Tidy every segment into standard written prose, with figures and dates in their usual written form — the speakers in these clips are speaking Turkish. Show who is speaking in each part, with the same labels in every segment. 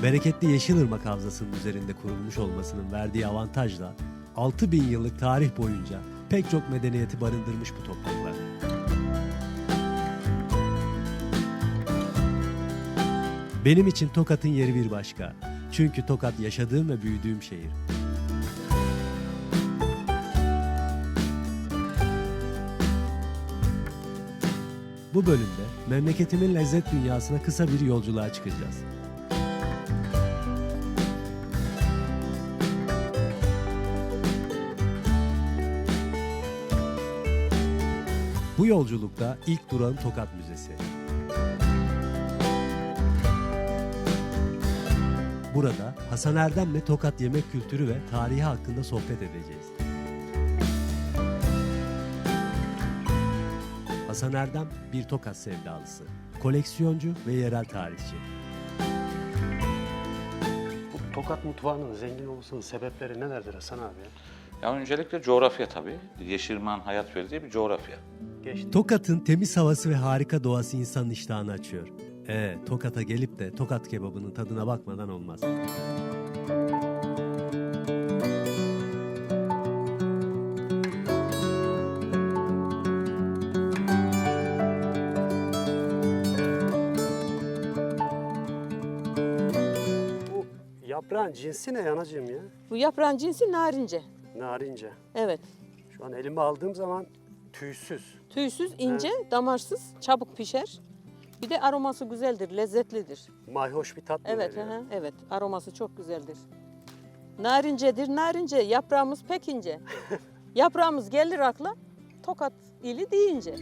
Speaker 1: Bereketli Yeşilırmak Havzası'nın üzerinde kurulmuş olmasının verdiği avantajla 6000 yıllık tarih boyunca pek çok medeniyeti barındırmış bu topraklar. Benim için Tokat'ın yeri bir başka. Çünkü Tokat yaşadığım ve büyüdüğüm şehir. Bu bölümde memleketimin lezzet dünyasına kısa bir yolculuğa çıkacağız. Bu yolculukta ilk durağım Tokat Müzesi. Burada Hasan Erdem'le Tokat yemek kültürü ve tarihi hakkında sohbet edeceğiz. Hasan Erdem bir Tokat sevdalısı, koleksiyoncu ve yerel tarihçi.
Speaker 2: Bu Tokat mutfağının zengin olmasının sebepleri nelerdir Hasan abi?
Speaker 3: Ya öncelikle coğrafya tabii. Yeşilırmak'ın hayat verdiği bir coğrafya.
Speaker 2: Geçti.
Speaker 1: Tokat'ın temiz havası ve harika doğası insanın iştahını açıyor. Tokat'a gelip de Tokat kebabının tadına bakmadan olmaz.
Speaker 2: Bu yaprağın cinsi ne anacığım ya?
Speaker 4: Bu yaprağın cinsi narince.
Speaker 2: Narince.
Speaker 4: Evet.
Speaker 2: Şu an elime aldığım zaman tüysüz.
Speaker 4: Tüysüz, ince, damarsız, çabuk pişer. Bir de aroması güzeldir, lezzetlidir.
Speaker 2: Mayhoş bir tat
Speaker 4: Evet,
Speaker 2: veriyor.
Speaker 4: evet. Aroması çok güzeldir. Narincedir, narince. Yaprağımız pek ince. Yaprağımız gelir akla Tokat ili deyince.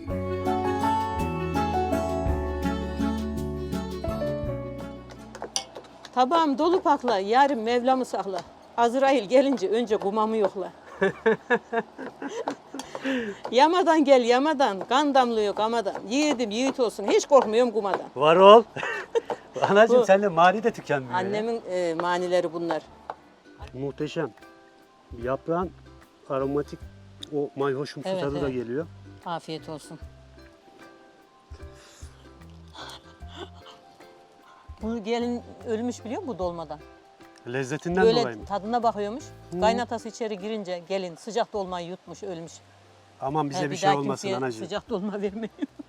Speaker 4: Tabağım dolu pakla, yarın Mevlam'ı sakla. Azrail gelince önce kumamı yokla. Yamadan gel yamadan, kan damlıyor kamadan. Yiğidim yiğit olsun, hiç korkmuyorum kumadan.
Speaker 2: Var ol. Anacığım
Speaker 4: Bu-
Speaker 2: sende mani de tükenmiyor ya.
Speaker 4: Annemin manileri bunlar.
Speaker 2: Muhteşem. Yaprağın aromatik o mayhoşumsu
Speaker 4: Evet,
Speaker 2: tadı da
Speaker 4: evet.
Speaker 2: geliyor.
Speaker 4: Afiyet olsun. Bu gelin ölmüş biliyor musun bu dolmadan?
Speaker 2: Lezzetinden dolayı
Speaker 4: Böyle
Speaker 2: mı?
Speaker 4: tadına bakıyormuş. Kaynatası içeri girince gelin sıcak dolmayı yutmuş ölmüş.
Speaker 2: Aman bize bir
Speaker 4: Bir
Speaker 2: şey
Speaker 4: daha
Speaker 2: olmasın
Speaker 4: kimseye
Speaker 2: anacığım.
Speaker 4: sıcak dolma vermeyin.